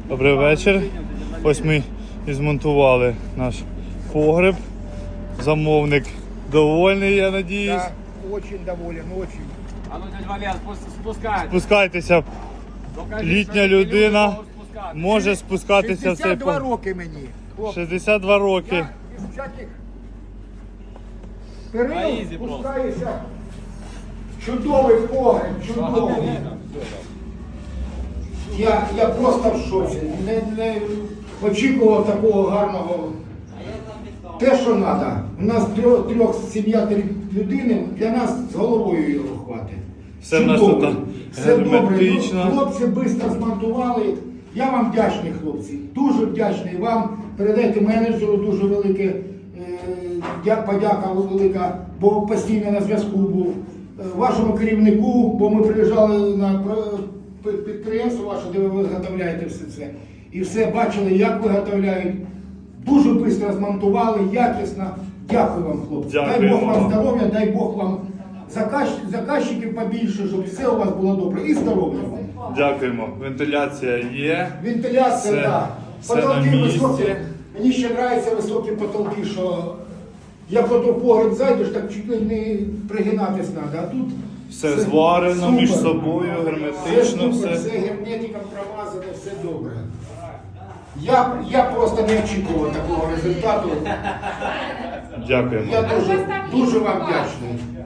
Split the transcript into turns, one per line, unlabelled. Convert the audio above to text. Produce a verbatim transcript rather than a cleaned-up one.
Добрий вечір. Ось ми і змонтували наш погреб. Замовник довольний, я надіюсь.
Да, очень доволен, очень.
А ну, дядя Валер, спускайте.
Спускайтеся. Літня людина може спускатися в цей
шістдесят два
погреб.
роки мені. хлопці.
шістдесят два роки.
Я із всяких перил спускаюся. Чудовий погреб, чудовий. Я, я просто в шоці. Не, не очікував такого гарного. Те, що треба. У нас трьох, трьох сім'я три людини, для нас з головою його хватить.
Все в нас
Чудово.
тут
Все добре.
герметично.
Хлопці швидко змонтували. Я вам вдячний, хлопці. Дуже вдячний вам. Передайте менеджеру дуже велике, е, дя- подяка велика, бо постійно на зв'язку був. Е, Вашому керівнику, бо ми приїжджали на про- пи- підприємство ваше, де ви виготовляєте все це. І все бачили, як виготовляють. Дуже швидко змонтували, якісно. Дякую вам, хлопці. Дай
Дякуємо
Бог вам
вам.
здоров'я, дай Бог вам заказ- заказчиків побільше, щоб все у вас було добре. І здоров'я вам.
Дякуємо. Вентиляція є.
Вентиляція,
Все-
так.
все
Потолки
на місці.
високі. Мені ще подобаються високі потолки, що як ото в погреб зайдеш, так чуть ли не пригинатись треба. А тут
Все зварено між
супер.
собою,
Все
герметично,
супер,
все.
все герметиком промазане, все добре. Я, я просто не очікував такого результату.
Дякуємо.
Я дуже, дуже вам вдячний.